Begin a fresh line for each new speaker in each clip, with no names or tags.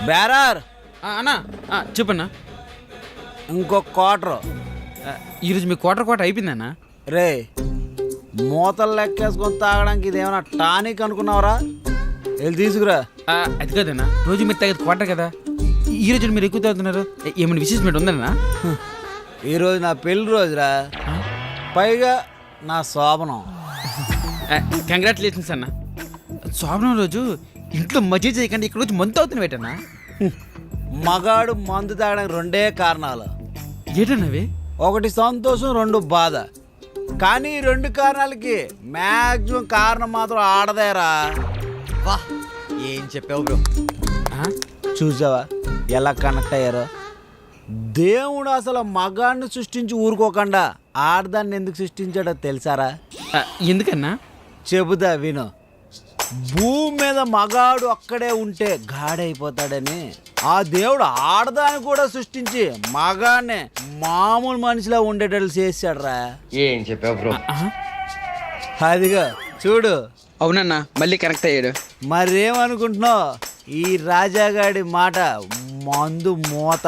బేరార్
అన్నా చెప్పన్నా.
ఇంకో క్వార్టర్.
ఈరోజు మీ క్వార్టర్ అయిపోయిందన్నా.
రే మూతలు లెక్కేసుకొని తాగడానికి ఇదేమన్నా టానిక్ అనుకున్నావరా? వెళ్ళి తీసుకురా.
అది కదన్నా, రోజు మీరు తాగేది క్వార్టర్ కదా, ఈరోజు మీరు ఎక్కువ తాగుతున్నారు. ఏమైనా విశేషం ఉందన్నా?
ఈరోజు నా పెళ్లి రోజురా, పైగా నా శోభనం.
కంగ్రాచులేషన్స్ అన్న. శోభనం రోజు ఇంట్లో మజ్జి చేయకండి, ఇక్కడ రోజు మందు అవుతున్న వేటన్నా.
మగాడు మందు తాగడానికి రెండే కారణాలు.
ఏటన్నవి?
ఒకటి సంతోషం, రెండు బాధ. కానీ ఈ రెండు కారణాలకి మ్యాక్సిమం కారణం మాత్రం ఆడదేరా.
వా ఏం చెప్పావు బ్రో.
చూసావా ఎలా కనెక్ట్ అయ్యారో? దేవుడు అసలు మగాడిని సృష్టించి ఊరుకోకుండా ఆడదాన్ని ఎందుకు సృష్టించాడో తెలుసారా?
ఎందుకన్నా?
చెబుతా విను. భూమి మీద మగాడు అక్కడే ఉంటే గాడైపోతాడని ఆ దేవుడు ఆడదాన్ని కూడా సృష్టించి మగాడిని మామూలు మనిషిలా ఉండేటట్లు చేశాడురా.
ఏం చెప్పావు బ్రో.
అదిగా చూడు.
అవునన్నా, మళ్ళీ కనెక్ట్ అయ్యాడు.
మరేమనుకుంటున్నావు? ఈ రాజాగాడి మాట మందు మూత.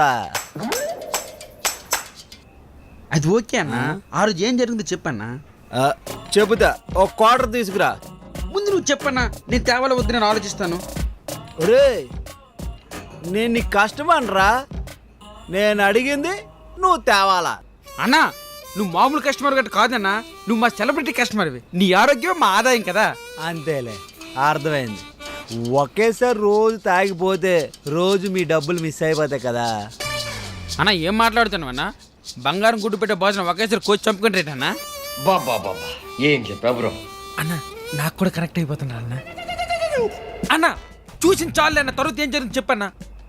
అది ఓకే అన్న. ఆ రోజు ఏం జరిగిందో చెప్పన్నా.
చెబుతా, ఒక క్వార్టర్ తీసుకురా.
ముందు నువ్వు చెప్పన్నా, నేను తేవాల వద్దు నేను ఆలోచిస్తాను.
ఒరే నేను నీ కస్టమర్ రా, నేను అడిగింది నువ్వు తేవాలా.
అన్నా నువ్వు మామూలు కస్టమర్ గట్ట కాదన్నా, నువ్వు మా సెలబ్రిటీ కస్టమర్వి. నీ ఆరోగ్యం మా ఆదాయం కదా.
అంతేలే, అర్థమైంది. ఒకేసారి రోజు తాగిపోతే రోజు మీ డబ్బులు మిస్ అయిపోతాయి కదా.
అన్నా ఏం మాట్లాడుతున్నావు అన్నా? బంగారం గుడ్డు పెట్టే భోజనం ఒకేసారి కోచ్ చంపుకుని రేటన్నా.
బాబా బాబా ఏం చెప్పావు బ్రో.
అన్నా నాకు కూడా కనెక్ట్ అయిపోతున్నా అన్న. అన్నా చూసిన చాలు అన్న, తర్వాత ఏం జరిగింది చెప్పన్నా.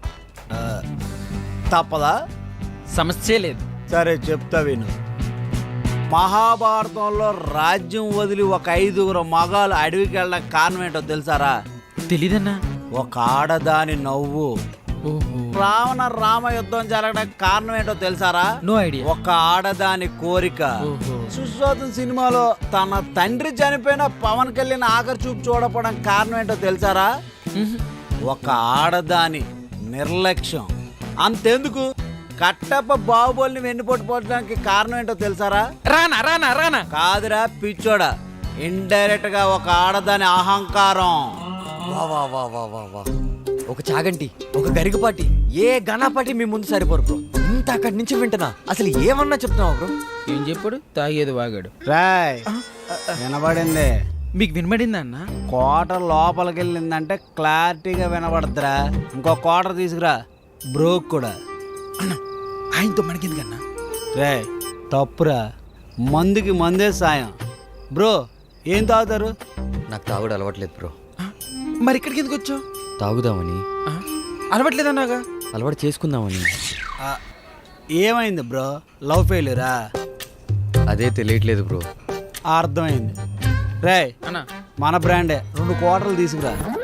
తప్పదా?
సమస్య లేదు.
సరే చెప్తా విను. మహాభారతంలో రాజ్యం వదిలి ఒక 5 మగాలు అడవికి వెళ్ళడానికి కారణం ఏంటో తెలుసారా?
తెలీదన్నా.
ఒక ఆడదాని నవ్వు. రావణ రామ యుద్ధం జరగడానికి కారణం ఏంటో తెలుసారా?
No idea.
ఒక ఆడదాని కోరిక. సుశ్వాసం సినిమాలో తన తండ్రి చనిపోయిన పవన్ కళ్యాణ్ ఆఖరి చూపు చూడకపోవడానికి కారణం ఏంటో తెలుసారా? ఒక ఆడదాని నిర్లక్ష్యం. అంతెందుకు, కట్టప్ప బాహుబలిని వెన్నుపోటుపోవడానికి కారణం ఏంటో తెలుసారా?
రానా రానా రానా
కాదురా పిచ్చోడా, ఇండైరెక్ట్ గా ఒక ఆడదాని అహంకారం.
వా వా వా వా వా వా ఒక చాగంటి, ఒక గరికపాటి, ఏ గణపాటి మీ ముందు సరిపోరు బ్రో. ఇంత అక్కడి నుంచి వింటున్నా, అసలు ఏమన్నా చెప్తున్నావు బ్రో.
ఏం చెప్పాడు? తాగేది వాగాడు.
రాయ్ వినబడింది.
మీకు వినబడిందా అన్న?
క్వార్టర్ లోపలికి వెళ్ళిందంటే క్లారిటీగా వినబడద్దురా. ఇంకో క్వార్టర్ తీసుకురా, బ్రోక్ కూడా.
అన్న ఆయనతో మనకెందుకన్నా?
రే తప్పురా, మందుకి మందే సాయం. బ్రో ఏం తాగుతారు?
నాకు తాగుడు అలవాట్లేదు బ్రో.
మరి ఇక్కడికి ఎందుకు వచ్చావు?
తాగుదామని.
అలవాట్లేదన్నాగా?
అలవాటు చేసుకుందామని.
ఏమైంది బ్రో? లవ్ ఫెయిల్యూరా?
అదే తెలియట్లేదు బ్రో.
అర్థమైంది. రే
అన్న
మన బ్రాండే 2 క్వార్టర్లు తీసుకురా.